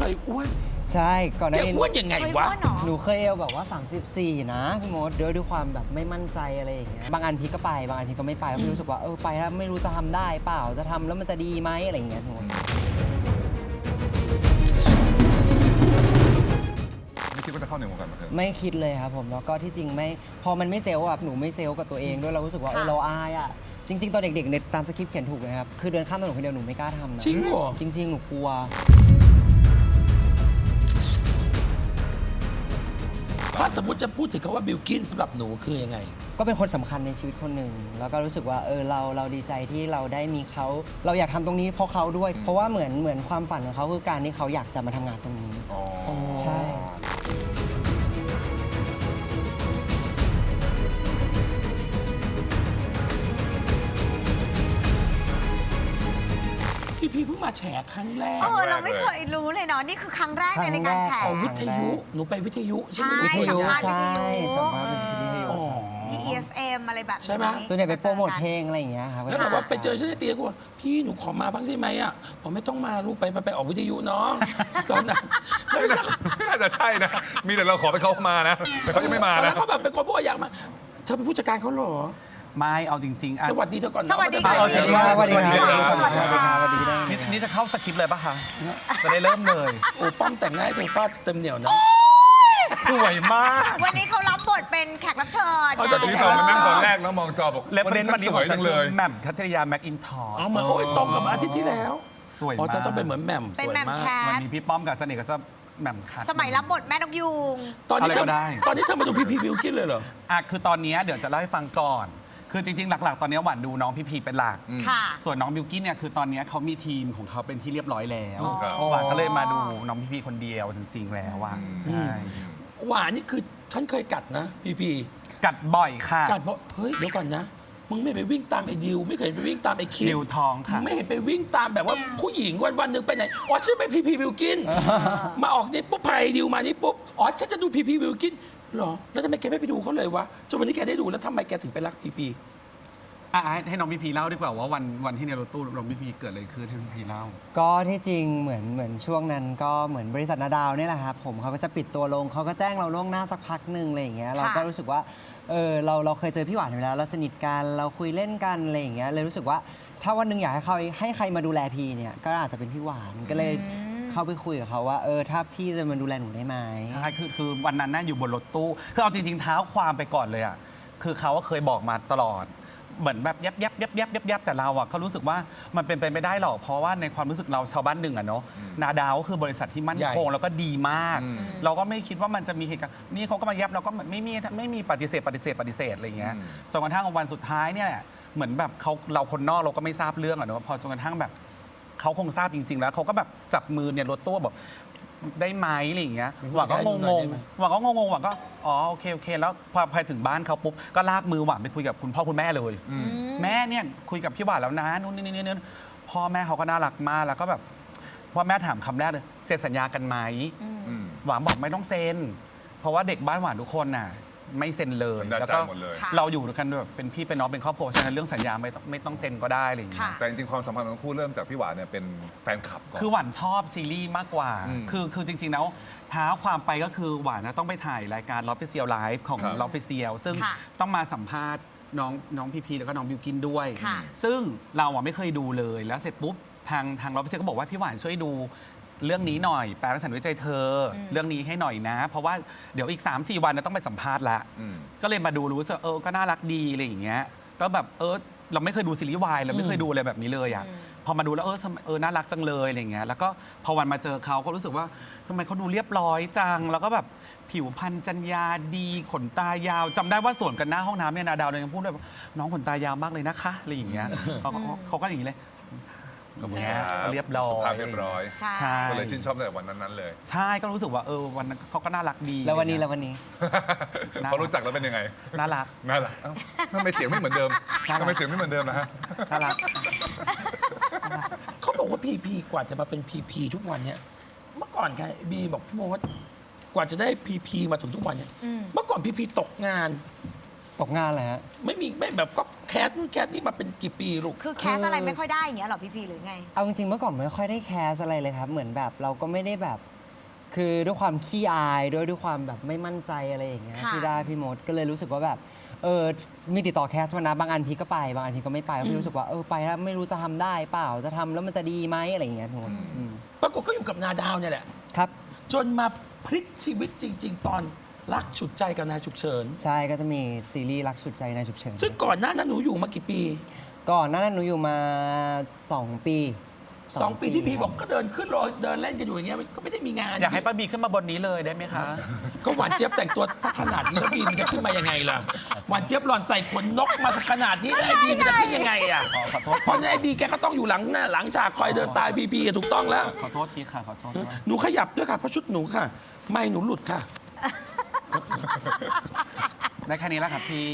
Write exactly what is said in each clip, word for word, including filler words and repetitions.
ยอ้วนใช่ก่อนหน้าแกนี้อ้วนยังไงวะหนูเคยเอวแบบว่าสามสิบสี่นะพี่มดด้วยด้วยความแบบไม่มั่นใจอะไรอย่างเงี้ยบางอันพี่ก็ไปบางอันพี่ก็ไม่ไปพี่รู้สึกว่าเออไปแล้วไม่รู้จะทำได้เปล่าจะทำแล้วมันจะดีไหมอะไรอย่างเงี้ยพี่มดไม่คิดว่าจะเข้าในวงการบันเทิงไม่คิดเลยครับผมแล้วก็ที่จริงไม่พอมันไม่เซลล์แบบหนูไม่เซลล์กับตัวเองด้วยเรารู้สึกว่าเออเราอายอ่ะจริงๆตอนเด็กๆในตามสคริปต์เขียนถูกเลยครับคือเดินข้ามถนนคนเดียวหนูไม่กล้าทำนะจริงเหรอจริงๆหนูกลัวถ้าสมมติจะพูดถึงคำว่าบิลกินสำหรับหนูคือยังไงก็เป็นคนสำคัญในชีวิตคนหนึ่งแล้วก็รู้สึกว่าเออเราเราดีใจที่เราได้มีเขาเราอยากทำตรงนี้เพราะเขาด้วยเพราะว่าเหมือนเหมือนความฝันของเขาคือการที่เขาอยากจะมาทำงานตรงนี้ใช่พี่พี่เพิ่งมาแฉครั้งแรกเออเราไม่เคยรู้เลยเนาะนี่คือครั้งแรกในรายการแฉวิทยุหนูไปวิทยุใช่ไหมวิทยุใช่ใช่สัมภาษณ์เป็นวิทยุที่ อี เอฟ เอ็ม อะไรแบบนี้ใช่ไหมส่วนใหญ่ไปโปรโมทเพลงอะไรอย่างเงี้ยครับแล้วแบบว่าไปเจอฉันในเตียงกูว่าพี่หนูขอมาบ้างได้ไหมอ่ะผมไม่ต้องมาลูกไปไปไปออกวิทยุเนาะตอนนั้นน่าจะใช่นะ มีแต่เราขอไปเขามานะแต่เขายังไม่มาแล้นะวเขาแบบเป็นคนบอกอยากมาเธอเป็นผู้จัดการเขาเหรอไม่เอาจริงๆอ่ะสวัสดีเธอก่อนนะสวัสดีเอาค่ะจริงๆสวัสดีครับสวัสดีค่ะสวัสดีได้นี่นี่จะเข้าสคริปต์เลยปะคะ จะได้เริ่มเลยโอ้ป้อมแต่งหน้าให้เธอฟาดเต็มเหนียวนะสวยมากวันนี้เขารับบทเป็นแขกรับเชิญอ๋อแต่ทีนี้ตอนมานั่งตอนแรกแล้วมองจอบอกเรฟเฟรนซ์วันนี้สขอวยงฉัจันงเลเลย ยแหม่มคัทริยาแม็กอินทอร์อ๋อเหมือนโอ้ยตรงกับอาทิตย์ที่แล้วสวยอ๋อมากเธอต้องเป็นเหมือนแหม่มสเป็นวยแหม่มมากแควันทนี้พี่ป้อมกับเสน่ห์ก็จะแหม่มคัทสมัยรับบทแม่นกยูงตอนนี้เธอะไรก็ได้ตอนนี้เธอมาดูพี่พีบิวกินเลยเหรออ่ะคือตอนนี้เดี๋ยวจะเล่าให้ฟังก่อน คือจริงๆ หลักๆ ตอนนี้หวานดูน้องพี่พีเป็นหลักค่ะส่วนน้องบิวกิ้นเนี่ยคือตอนนี้เขามีทีมของเขาเป็นที่เรียบร้อยแล้วอ๋อหวานก็เลยมาดูน้องพี่พีคนเดียวจริงๆ แล้วว่าใช่หวานนี่คือฉันเคยกัดนะพี่พีกัดบ่อยค่ะกัดบอกเฮ้ยเดี๋ยวก่อนนะมึงไม่ไปวิ่งตามไอ้ดิวไม่เคยไปวิ่งตามไอ้คิสดิวทองค่ะมึไม่เห็นไปวิ่งตามแบบว่าผู้หญิงวันวันๆหนึ่งไปไหนอ๋อฉันไปพีพีบิวกินมาออกนี่ปุ๊บพายดิวมานี่ปุ๊บอ๋อฉันจะดูพีพีบิวกินเหรอแล้วทำไมแกไม่ไปดูเขาเลยวะจนวันนี้แกได้ดูแล้วทำไมแกถึงไปรักพีพีอ่ะให้ให้น้องพี่พีเล่าดีกว่าว่าวันวันที่ในรถตู้น้องพี่พีเกิดอะไรขึ้นให้พี่พีเล่าก็ที่จริงเหมือนเหมือนช่วงนั้นก็เหมือนบริษัทนาดาวเนี่ยแหละครับผมเขาก็จะปิดตัวลงเขาก็แจ้งเราล่วงหน้าสักพักหนึ่งอะไรอย่างเงี้ยเราก็รู้สึกว่าเออเราเราเคยเจอพี่หวานอยู่แล้วเราสนิทกันเราคุยเล่นกันอะไรอย่างเงี้ยเลยรู้สึกว่าถ้าวันหนึ่งอยากให้เขาให้ใครมาดูแลพีเนี่ยก็อาจจะเป็นพี่หวานก็เลยเข้าไปคุยกับเขาว่าเออถ้าพี่จะมาดูแลหนูได้ไหมใช่คือคือวันนั้นน่าอยู่บนรถตู้คือเอาจริงๆเท้าความไปก่อนเลยอ่ะคือเขาก็เคยบอกมาตลอดเหมือนแบบยับยับยับยับยับยับแต่เราอ่ะเขารู้สึกว่ามันเป็นไปไม่ได้หรอกเพราะว่าในความรู้สึกเราชาวบ้านหนึ่งอ่ะเนาะนาดาวก็คือบริษัทที่มั่นคงแล้วก็ดีมาก เราก็ไม่คิดว่ามันจะมีเหตุการณ์นี่เขาก็มายับเราก็ไม่มีไม่มีปฏิเสธปฏิเสธปฏิเสธอะไรอย่างเงี้ยจนกระทั่งวันสุดท้ายเนี่ยเหมือนแบบเขาเราคนนอกเราก็ไม่ทราบเรื่องอะเนาะพอจนกระทั่งแบบเขาคงทราบจริง ๆ แล้วเขาก็แบบจับมือเนี่ยรถตู้แบบได้ไหมอะไรอย่างเงี้ยหวังก็งงๆหวังก็งงๆหวังก็อ๋อโอเคโอเคแล้วพอไปถึงบ้านเขาปุ๊บก็ลากมือหวังไปคุยกับคุณพ่อคุณแม่เลยแม่เนี่ยคุยกับพี่หวานแล้วนะนู่นนี่นี่นี่พ่อแม่เขาก็น่ารักมากแล้วก็แบบพ่อแม่ถามคำแรกเลยเซ็นสัญญากันไหมหวังบอกไม่ต้องเซ็นเพราะว่าเด็กบ้านหวานทุกคนน่ะไม่เซ็นเลยแล้วก็เราอยู่ด้วยกันแบบเป็นพี่เป็นน้องเป็นครอบครัวฉะนั้นเรื่องสัญญาไม่ต้องไม่ต้องเซ็นก็ได้อะไรอย่างเงี้ยแต่จริงๆความสัมพันธ์ของทั้งคู่เริ่มจากพี่หวานเนี่ยเป็นแฟนคลับก่อนคือหวานชอบซีรีส์มากกว่าอืมคือคือจริงๆแล้วท้าความไปก็คือหวานนะต้องไปถ่ายรายการ Love Official Live ของครับ Love Official ซึ่งค่ะต้องมาสัมภาษณ์น้องน้องพีพีแล้วก็น้องบิวกินด้วยค่ะซึ่งเราอ่ะไม่เคยดูเลยแล้วเสร็จปุ๊บทางทาง Love Official ก็บอกว่าพี่หวานช่วยดูเรื่องนี้หน่อยแปลรักษาด้วยใจเธออเรื่องนี้ให้หน่อยนะ เพราะว่าเดี๋ยวอีก สามสี่ วันนะต้องไปสัมภาษณ์ละอืมก็เลยมาดูรู้สึกเออก็น่ารักดีอะไรอย่างเงี้ยก็แบบเออเราไม่เคยดูซีรีส์วายเราไม่เคยดูอะไรแบบนี้เลยอ่ะพอมาดูแล้วเออทำไมเออน่ารักจังเลยอะไรอย่างเงี้ยแล้วก็พอวันมาเจอเขาก็รู้สึกว่าทำไมเขาดูเรียบร้อยจังแล้วก็แบบผิวพรรณจัญญาดีขนตายาวจำได้ว่าสวนกันหน้าห้องน้ำเนี่ยนาดาวเลยยังพูดเลยว่าน้องขนตายาวมากเลยนะคะอะไรอย่างเงี้ยเขาก็เขาก็อย่างนี้เลยขอบคุณเงี้ยครับเรียบร้อยภาพเรียบร้อยใช่ใช่ก็เลยชื่นชอบตั้งแต่วันนั้นๆเลยใช่ก็รู้สึกว่าเออวันนั้นเขาก็น่ารักดีแล้ววันนี้อะไรแล้วเงี้ยวันนี้น่ารักพอรู้จักแล้วเป็นยังไงน่ารักน่ารักเอ้าทำไมเสียงไม่เหมือนเดิมน่ารักทำไมเสียงไม่เหมือนเดิมนะฮะน่ารักเขาบอกว่าพีพีกว่าจะมาเป็นพีพีทุกวันเนี่ยเมื่อก่อนไงบีบอกพี่โมว่ากว่าจะได้พีพีมาถึงทุกวันเนี่ยอืมเมื่อก่อนพีพีตกงานตกงานเลยฮะไม่มีไม่แบบก็แคสนู่นแคสนี่มาเป็นกี่ปีลูกคือแคสอะไรไม่ค่อยได้อย่างเงี้ยหรอพี่พีหรือไงเอาจริงๆเมื่อก่อนไม่ค่อยได้แคสอะไรเลยครับ เหมือนแบบเราก็ไม่ได้แบบคือด้วยความขี้อายด้วยด้วยความแบบไม่มั่นใจอะไรอย่างเงี้ยค่ะที่ได้พี่มดก็เลยรู้สึกว่าแบบเออมีติดต่อแคสมานะบางอันพี่ก็ไปบางอันพี่ก็ไม่ไปเพราะพี่รู้สึกว่าเออไปแล้วไม่รู้จะทำได้เปล่าจะทำแล้วมันจะดีไหมอะไรอย่างเงี้ยพี่มดอืมปรากฏก็อยู่กับนาดาวเนี่ยแหละครับจนมาพลิกชีวิตจริง ๆ ตอนรักฉุดใจกับนายฉุกเฉินใช่ก็จะมีซีรีส์รักสุดใจในฉุกเฉินซึ่งก่อนหน้านั้นหนูอยู่มากี่ปีก่อนหน้านั้นหนูอยู่มา สอง ปีสองปีที่พี่ครับบอกก็เดินขึ้นรถเดินเล่นกันอยู่อย่างเงี้ยก็ไม่ได้มีงานอยากให้ป้าบีขึ้นมาบนนี้เลยได้ไหมคะก็หวานเจี๊ยบแต่งตัวสักขนาดนี้แล้วบีมันจะขึ้นมายังไงล่ะหวานเจี๊ยบหล่อนใส่ขนนกมาสักขนาดนี้แล้วไอ้บีมันจะขึ้นยังไงอ่ะขอขอโทษเพราะฉะนั้นไอ้บีแกก็ต้องอยู่หลังหน้าหลังฉากคอยเดินตายบีบีถูกต้องแล้วขอโทษทีค่ะขอโทษด้วยหนูขยับด้วยค่ะเพราะชุดหนูค่ะ ไม่หนูหลุดค่ะได้แค่นี้แล้วครับพี่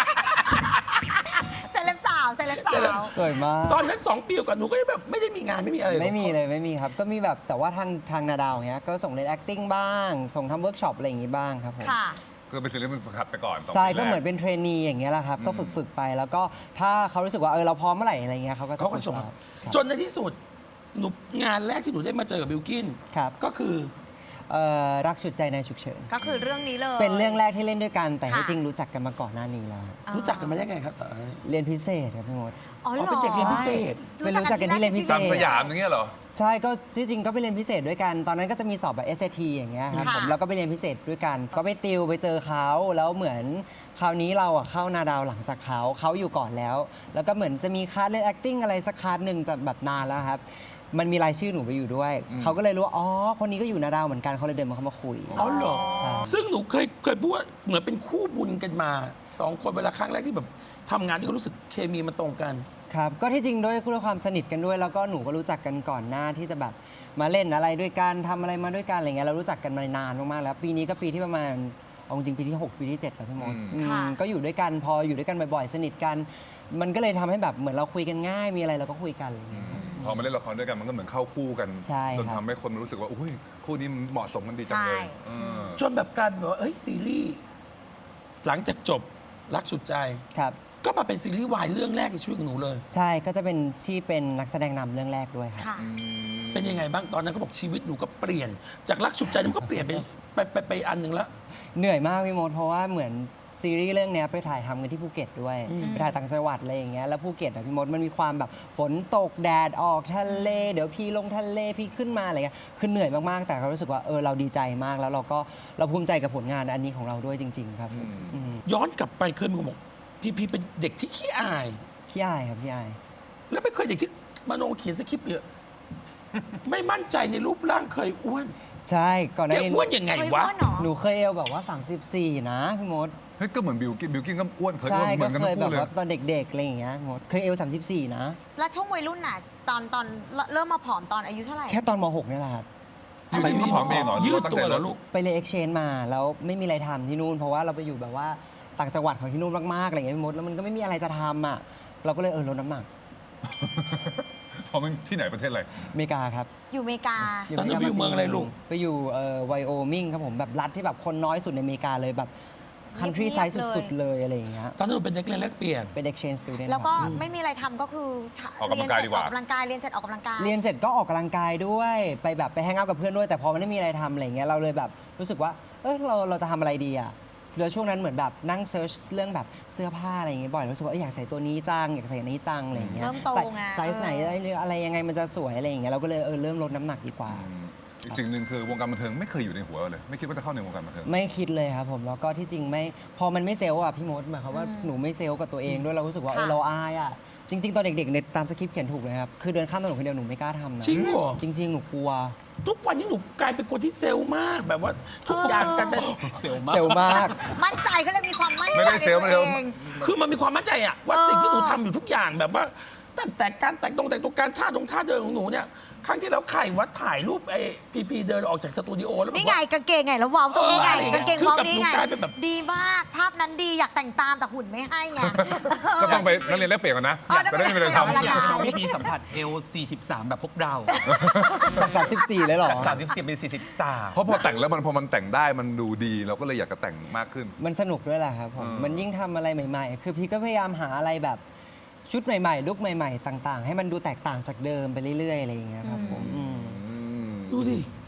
เซเลบสาวเซเลบสาเซเลบวสวยมากตอนนั้นสองปีกับหนูก็แบบไม่ได้มีงานไม่มีอะไรเลยไม่มีเลยไม่มีครับ ก็มีแบบแต่ว่าทางทางนาดาวเนี้ยก็ส่งเรียน acting บ้าง ส่งทำเวิร์กช็อปอะไรอย่างงี้บ้างครับผมค่ะคือเป็นศิลปินฝึกหัดไปก่อนสองใช่ปีแรก็เหมือนเป็นเทรนนีอย่างเงี้ยแหละครับ ก็ฝึกฝึกไปแล้วก็ถ้าเขารู้สึกว่าเออเราพร้อมเมื่อไหร่อะไรเงี้ยเขาก็จะเขาก็ส่งครับจนในที่สุดหนูงานแรกที่หนูได้มาเจอกับบิลกินครับก็คือเอ่อรักสุดใจในฉุกเฉินก็คือเรื่องนี้เลยเป็นเรื่องแรกที่เล่นด้วยกันแต่ค่ะที่จริงรู้จักกันมาก่อนหน้านี้แล้วครับอ่ารู้จักกันมาได้ไงครับเออเรียนพิเศษครับพี่มดอ๋อเหรอ๋ออเป็นเด็กเรียนพิเศษเป็นรู้จักกันที่เรียนพิเศษสามสยามอย่างเงี้ยเหรอใช่ก็ที่จริงก็ไปเรียนพิเศษด้วยกัน ตอนนั้นก็จะมีสอบแบบ เอส เอ ที อย่างเงี้ยครับค่ะผมแล้วก็ไปเรียนพิเศษด้วยกัน ก็ไปติวไปเจอเขาแล้วเหมือนคราวนี้เราอะเข้านาดาวหลังจากเขาเขาอยู่ก่อนแล้ว แล้วก็เหมือนจะมีคลาสเล่น acting อะไรสักคลาสหนึ่งจะแบบนานแล้วครับ มันมีรายชื่อหนูไปอยู่ด้วยอืมเขาก็เลยรู้ว่าอ๋อคนนี้ก็อยู่นาดาวเหมือนกันเขาเลยเดินมาเข้ามาคุยอ๋อเหรอใช่ซึ่งหนูเคยเคยพูดว่าเหมือนเป็นคู่บุญกันมาสองคนเวลาครั้งแรกที่แบบทำงานที่ก็รู้สึกเคมีมันตรงกันครับก็ที่จริงด้วยด้วยความสนิทกันด้วย แล้วก็หนูก็รู้จักกันก่อนหน้าที่จะแบบมาเล่นอะไรด้วยกันทำอะไรมาด้วยกันอะไรเงี้ยเรารู้จักกันมานานมากๆแล้ว ปีนี้ก็ปีที่ประมาณเอาจริงปีที่หกปีที่เจ็ดแล้วพี่มดอืมอืมค่ะก็อยู่ด้วยกันพออยู่ด้วยกันบ่อยๆ สนิทกัน มันก็เลยทำให้แบบเหมือนเราคุยกันง่ายมีอะไรเราก็คุยกันอะไรเงี้ยพอมาเล่นละครด้วยกันมันก็เหมือนเข้าคู่กันใช่จนครับทำให้คนรู้สึกว่าอุ้ยคู่นี้เหมาะสมกันดีจังเลยใช่เออจนแบบกลายเป็นแบบว่าเอ้ยซีรีส์หลังจากจบรักสุดใจครับก็มาเป็นซีรีส์วายเรื่องแรกในชีวิตของหนูเลยใช่ก็จะเป็นที่เป็นนักแสดงนำเรื่องแรกด้วยครับค่ะอืมเป็นยังไงบ้างตอนนั้นก็บอกชีวิตหนูก็เปลี่ยน จากรักสุดใจมันก็เปลี่ยนไปไปไปไปอันหนึ่งแล้วเหนื่อยมากพี่มดเพราะว่าเหมือนซีรีส์เรื่องเนี้ยไปถ่ายทำกันที่ภูเก็ตด้วยอืมไปถ่ายต่างจังหวัดอะไรอย่างเงี้ยแล้วภูเก็ตอะพี่มดมันมีความแบบฝนตกแดดออกทะเล เดี๋ยวพี่ลงทะเลพี่ขึ้นมาอะไรเงี้ยคือเหนื่อยมากๆแต่เรารู้สึกว่าเออเราดีใจมากแล้วเราก็เราภูมิใจกับผลงานอันนี้ของเราด้วยจริง ๆ ครับผมอืมย้อนกลับไปเคยมีคนบอกพี่พีเป็นเด็กที่ขี้อายพี่อายครับพี่อายแล้วไม่เคยเด็กที่มโนเขียนสคริปต์เยอะ ไม่มั่นใจในรูปร่างเคยอ้วนใช่ก่อนหแกน้านี้อ้วนยังไงเคยวะว่าเหรอหนูเคยเอวแบบว่า สามสิบสี่ นะพี่มดเฮ้ยก็เหมือนบิวกินบิวกินก็อ้วนเคยอ้ใช่วนเหมืก็อนกันเคทั้ยงแบคู่บเลยว่าตอนเด็กๆอะไรอย่างเงี้ยพี่มดเคยเอวสามสิบสี่ นะแล้วช่วงวัยรุ่นน่ะ ตอนตอนเริ่มมาผอมตอนอายุเท่าไหร่แค่ตอนม หก นี่แหละครับทำไมพี่ผอมเองเหรอยืดตั้งตัใจวเหรอลดลูกไปเรียน exchange มาแล้วไม่มีอะไรทำที่นู่น เพราะว่าเราไปอยู่แบบว่าต่างจังหวัดของที่นู่นมากๆอะไรอย่างเงี้ยพี่มดแล้วมันก็ไม่มีอะไรจะทำอ่ะเราก็เลยเออลดน้ำหนักเพราะมันที่ไหนประเทศอะไรอเมริกาครับอยู่อเมริกาตอนนั้นไปอยู่เมืองอะไรลูกไปอยู่เอ่อไวโอมิงครับผมแบบรัฐที่แบบคนน้อยสุดในอเมริกาเลยแบบ country เงียบ size ๆเลยสุดๆเลยอะไรอย่างเงี้ยตอนนั้นหนูเป็นเด็กเรียนแลกเปลี่ยนเป็น exchange student แล้วก็ครับไม่มีอะไรทำก็คือออกกำลังกายดีกว่าเรีนเสร็จออกกำลังกายเรียนเสร็จออกกำลังกายเรียนเสร็จก็ออกกำลังกายด้วยไปแบบไปแฮงเอาท์กับเพื่อนด้วยแต่พอมันไม่มีอะไรทำอะไรเงี้ยเราเลยแบบรู้สึกว่าเออเราเราจะทำอะไรดีอ่ะแล้วช่วงนั้นเหมือนแบบนั่งเซิร์ชเรื่องแบบเสื้อผ้าอะไรอย่างเงี้ยบ่อยรู้สึกว่าเอออยากใส่ตัวนี้จังอยากใส่อันนี้จังอะไรอย่างเงี้ยเริ่มโตใส่ไงไซส์ไหนอะไรอะไรยังไงมันจะสวยอะไรอย่างเงี้ยเราก็เลยเออเริ่มลดน้ำหนักดีกว่าอืมอีกสิ่งหนึ่งคือวงการบันเทิงไม่เคยอยู่ในหัวเลย ไม่คิดว่าจะเข้าในวงการบันเทิงไม่คิดเลยครับผมแล้วก็ที่จริงไม่พอมันไม่เซลล์อ่ะพี่มดหมายความว่าอืมหนูไม่เซลล์กับตัวเองด้วยเรารู้สึกว่าเออค่ะเราอายอ่ะจริง ๆ ตอนเด็กๆในตามสคริปต์เขียนถูกเลยครับคือเดินข้ามถนนคนเดียวหนูไม่กล้าทำนะจริงเหรอจริง ๆ หนูกลัวทุกวันนี้หนูกลายเป็นคนที่เซลล์มากแบบว่าทุกอย่างกันเป็นเซลล์มากเซลล์มากมั่นใจก็เลยมีความมั่นใจไม่ได้ในเซลล์ตัวไม่ได้เองคือมันมีความมั่นใจอะว่าเออสิ่งที่หนูทำอยู่ทุกอย่างแบบว่าตั้งแต่การแต่งตรงแต่งตัวการท่าตรงท่าเดินของหนูเนี่ยครั้งที่แล้วไข่วัดถ่ายรูปไอ้พีพีเดินออกจากสตูดิโอแล้วแบบนี่ไงว่ากางเกงไงแล้วเว้าตรงนี้ไงเอออะไรอย่างเงี้กาย งเกงคือเว้ากับนี่หนูไงกลายเป็นแบบดีมากภาพนั้นดีอยากแต่งตามแต่หุ่นไม่ให้ไงก็ต้องไปนักเรียนแลกเปลี่ยนกันนะอ๋อจะได้ไม่มีอะไรนักเรียนทำแลกเปลี่ยนอยากให้น้องพี่พีสัมผัสเอลสี่สิบสามแบบพวกเราจากสามสิบสี่เลยเหรอจากสามสิบสี่เป็นสี่สิบสามเพราะพอแต่งแล้วมันพอมันแต่งได้มันดูดีเราก็เลยอยากจะแต่งมากขึ้นมันสนุกด้วยแหละครับผมอืมมันยิ่งทำอะไรใหม่ๆ คือพี่ก็พยายามหาอะไรแบบชุดใหม่ๆ ลุคใหม่ๆ ต่างๆ ให้มันดูแตกต่างจากเดิมไปเรื่อยๆ อะไรอย่างเงี้ยครับผมอืมอืมดูสิ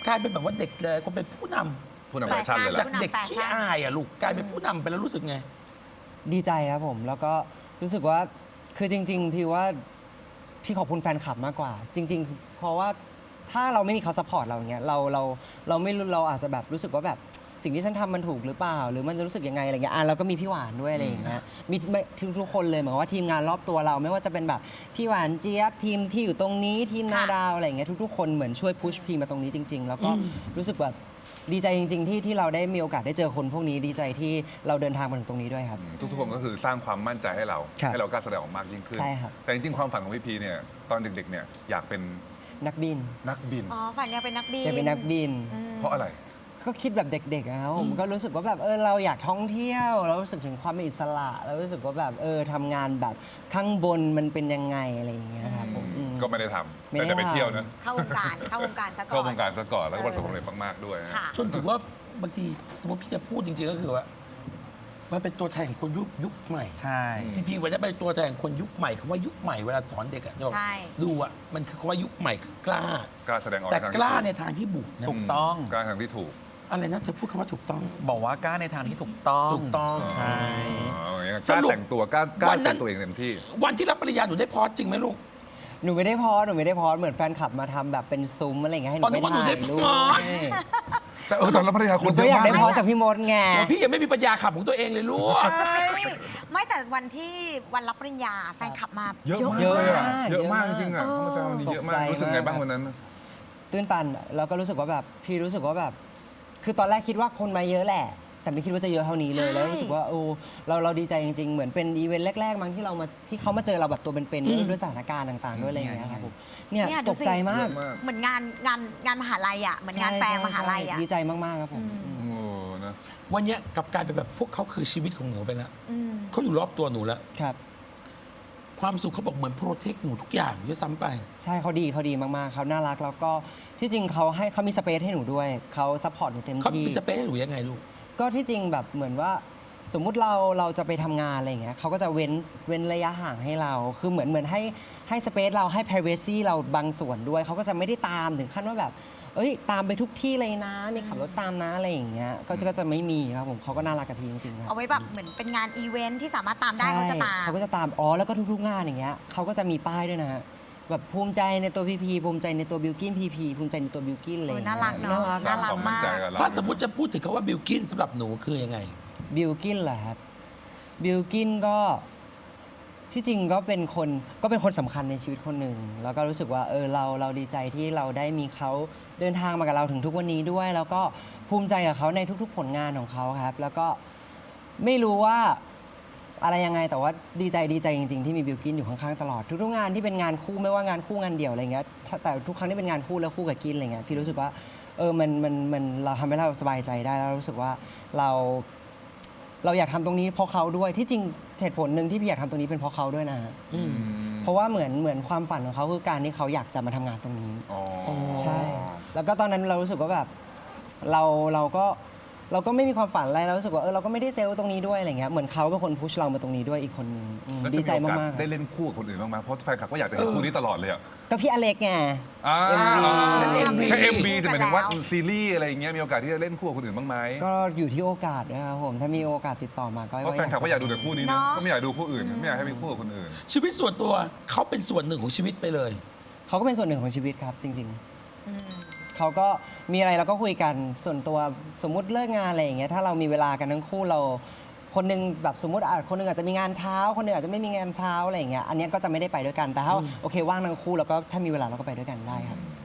กลายเป็นแบบว่าเด็กเลยคนเป็นผู้นำผู้นำแฟชั่นเลยจากล่ะเด็กขี้อายอ่ะลูกกลายเป็นผู้นำไปแล้วรู้สึกไงดีใจครับผม แล้วก็รู้สึกว่าคือจริง ๆ พี่ว่าพี่ขอบคุณแฟนคลับมากกว่า จริง ๆ เพราะว่าถ้าเราไม่มีเขาซัพพอร์ตเราอย่างเงี้ยเราเราเราไม่รู้เราอาจจะแบบรู้สึกว่าแบบสิ่งที่ฉันทำมันถูกหรือเปล่า หรือมันจะรู้สึกยังไงอะไรเงี้ยอ่ะเราก็มีพี่หวานด้วยอะไรอย่างเงี้ยมีทุกทุกคนเลยเหมือนว่าทีมงานรอบตัวเราไม่ว่าจะเป็นแบบพี่หวานเจี๊ยบทีมที่อยู่ตรงนี้ทีมนาดาวอะไรอย่างเงี้ยทุกๆคนเหมือนช่วยพุชพีมาตรงนี้จริง ๆ แล้วก็รู้สึกแบบดีใจจริง ๆ ที่ที่เราได้มีโอกาสได้เจอคนพวกนี้ดีใจที่เราเดินทางมาถึงตรงนี้ด้วยครับทุกๆคนก็คือสร้างความมั่นใจให้เราครับให้เรากล้าแสดงออกมากยิ่งขึ้นใช่ครับแต่จริงๆความฝันของพี่พีเนี่ยตอนเด็กๆเนี่ยอยากเป็นนักบินนักบินอ๋อฝันอยากเป็นนักบินอยากเป็นนักบินอืมเพราะอะไรก็คิดแบบเด็กๆนะครับผมก็รู้สึกว่าแบบเออเราอยากท่องเที่ยวเรารู้สึกถึงความเป็นอิสระเรารู้สึกว่าแบบเออทำงานแบบข้างบนมันเป็นยังไงอะไรอย่างเงี้ยครับผมอืมก็ไม่ได้ทำไม่ได้แต่จะไปทำเที่ยวนะเข้าวงการเข้าวงการซะก่อนเข้าวงการซะก่อนแล้วก็ประสบความสำเร็จมากๆด้วยนะค่ะจนถึงว่าบางทีสมมติพี่จะพูดจริงๆก็คือว่ามันเป็นตัวแทนของคนยุคยุคใหม่ใช่พี่พีวันนี้เป็นตัวแทนของคนยุคใหม่คำว่ายุคใหม่เวลาสอนเด็กอะจะบอกใช่ดูอะมันคือคำว่ายุคใหม่คือกล้ากล้าแสดงออกแต่ในทางกล้าในที่ทางที่บุกนะถูกต้องกล้าทางที่ถูกอะไรนะเธอพูดคำว่าถูกต้องบอกว่ากล้าในทางที่ถูกต้องถูกต้องใช่อ๋ออย่างนั้นสกล้ารุปแต่งตัวกล้ากล้าวันนั้นเป็นตัวเองเต็มที่วันที่รับปริญญาหนูได้พอสจริงไหมลูกหนูไม่ได้พอสหนูไม่ได้พอสเหมือนแฟนคลับมาทำแบบเป็นซุ้มอะไรอย่างเงี้ยให้หนูอ๋อนึไปกว่าหนูถ่าได้ยพอสรูปแต่เออตอนรับภรรยาหคนูนก็เยอยากอะได้มากพอสนะจากพี่มดไงพี่ยังไม่มีปัญญาขับของตัวเองเลยลูกเฮ้ยไม่แต่วันที่วันรับปริญญาแฟนคลับมาเยอะมากเยอะเลยอะมากเยอะมากเยจอะมากริงๆอ่ะเขามาแซววันนี้เยอะมากตกใจรู้สึกไงบ้างมากวันนั้นตื้นตันแล้วก็รู้สึกว่าแบบพี่รู้สึกว่าแบบ คือตอนแรกคิดว่าคนมาเยอะแหละ แต่ไม่คิดว่าจะเยอะเท่านี้เลยใช่แล้วรู้สึกว่าโอ้เราเราดีใจจริง ๆ เหมือนเป็นอีเวนต์แรก ๆ มั้งที่เรามาที่เขามาเจอเราแบบตัวเป็นๆด้วยสถานการณ์ต่างๆด้วยอะไรอย่างเงี้ยครับผมเนี่ยเนี่ยดูตกสิใจมากเยอะมากเหมือนงานงานงานมหาลัยอ่ะเหมือนงานแฟร์มหาลัยอ่ะดีใจมากๆครับผมโอ้นะวันเนี้ยกลับกลายเป็นแบบพวกเขาคือชีวิตของหนูไปแล้วอืมเขาอยู่รอบตัวหนูแล้วครับความสุขเขาบอกเหมือนโปรเทคหนูทุกอย่างด้วยซ้ำไปใช่เขาดีเขาดีมากๆเขาน่ารักแล้วก็ที่จริงเขาให้เขามีสเปซให้หนูด้วยเขาซัพพอร์ตหนูเต็มเขาที่มีสเปซให้หนูยังไงลูกก็ที่จริงแบบเหมือนว่าสมมุติเราเราจะไปทำงานอะไรอย่างเงี้ยเขาก็จะเว้นเว้นระยะห่างให้เรา คือเหมือนเหมือนให้ให้สเปซเราให้ privacy เราบางส่วนด้วยเขาก็จะไม่ได้ตามถึงขั้นว่าแบบ เอ้ยตามไปทุกที่เลยนะมีขับรถตามนะอะไรอย่างเงี้ยก็จะก็จะไม่มีครับผมเขาก็น่ารักกับพี่จริงๆครับเอาไว้แบบเหมือนเป็นงานอีเวนท์ที่สามารถตามได้เขาจะตามใช่เขาก็จะตามอ๋อแล้วก็ทุกๆงานอย่างเงี้ยเขาก็จะมีป้ายด้วยนะฮะแบบภูมิใจในตัวพีพีภูมิใจในตัวบิวกินพีพีภูมิใจในตัวบิวกินอะไรอย่างโอ้ยน่ารักเนอะน่ารักสร้างความมั่นใจกับเราถ้าสมมติจะพูดถึงคาว่าบิลกินสำหรับหนูคือยังไงบิลกินเหรอครับบิลกินก็ที่จริงก็เป็นคนก็เป็นคนสำคัญในชีวิตคนหนึ่งแล้วก็รู้สึกว่าเออเราเราดีใจที่เราได้มีเขาเดินทางมากับเราถึงทุกวันนี้ด้วย แล้วก็ภูมิใจกับเขาในทุกๆ ผลงานของเขาครับ แล้วก็ไม่รู้ว่าอะไรยังไงแต่ว่าดีใจดีใจจริง ๆ ที่มีบิลกินอยู่ข้างๆตลอดทุกๆงานที่เป็นงานคู่ไม่ว่างานคู่งานเดี่ยวอะไรเงี้ยแต่ทุกครั้งที่เป็นงานคู่แล้วคู่กับกินอะไรเงี้ยพี่รู้สึกว่าเออมันมันมันเราทำให้เราสบายใจได้แล้วรู้สึกว่าเรา เราอยากทำตรงนี้เพราะเขาด้วยที่จริงเหตุผลหนึ่งที่พี่อยากทำตรงนี้เป็นเพราะเขาด้วยนะฮะอืมเพราะว่าเหมือนเหมือนความฝันของเขาคือการที่เขาอยากจะมาทำงานตรงนี้อ๋อใช่ แล้วก็ตอนนั้นเรารู้สึกว่าแบบเราเราก็เราก็ไม่มีความฝันอะไรเรารู้สึกว่าเออเราก็ไม่ได้เซลล์ตรงนี้ด้วยอะไรเงี้ยเหมือนเขาเป็นคนพุชเรามาตรงนี้ด้วยอีกคนนึงอืมแล้วดีใจจะโอกมาสกๆได้เล่นคู่กับคนอื่นบ้างไหมเพราะแฟนคลับก็อยากจะเห็นเออคู่นี้ตลอดเลยอ่ะก็พี่อเล็กไงอ่าเอ็มวีนั่นเอ็มวีแค่เอ็มบีแต่หมายถึงว่าไปแล้วซีรีส์อะไรอย่างเงี้ยมีโอกาสที่จะเล่นคู่กับคนอื่นบ้างไหมก็อยู่ที่โอกาสนะครับผมถ้ามีโอกาสติดต่อมาก็เพราะแฟนคลับก็อยากดูแต่คู่นี้นะเนาะก็ไม่อยากดูคู่อื่นไม่อยากให้มีคู่กับคนอื่นชีวิตส่วนตัวเขาเป็นส่วนหนึ่งของชีวิตไปเลยเขาก็เป็นส่วนหนึ่งของชีวิตครับจริง ๆอืมเขาก็มีอะไรเราก็คุยกันส่วนตัวสมมุติเลิกงานอะไรอย่างเงี้ยถ้าเรามีเวลากันทั้งคู่เราคนหนึงแบบสมมติอาจคนหนึงอาจจะมีงานเช้า คนหนึงอาจจะไม่มีงานเช้าอะไรอย่างเงี้ยอันเนี้ยก็จะไม่ได้ไปด้วยกันแต่ถ้าโอเคว่างทั้งคู่แล้วก็ถ้ามีเวลาเราก็ไปด้วยกันได้ครับอ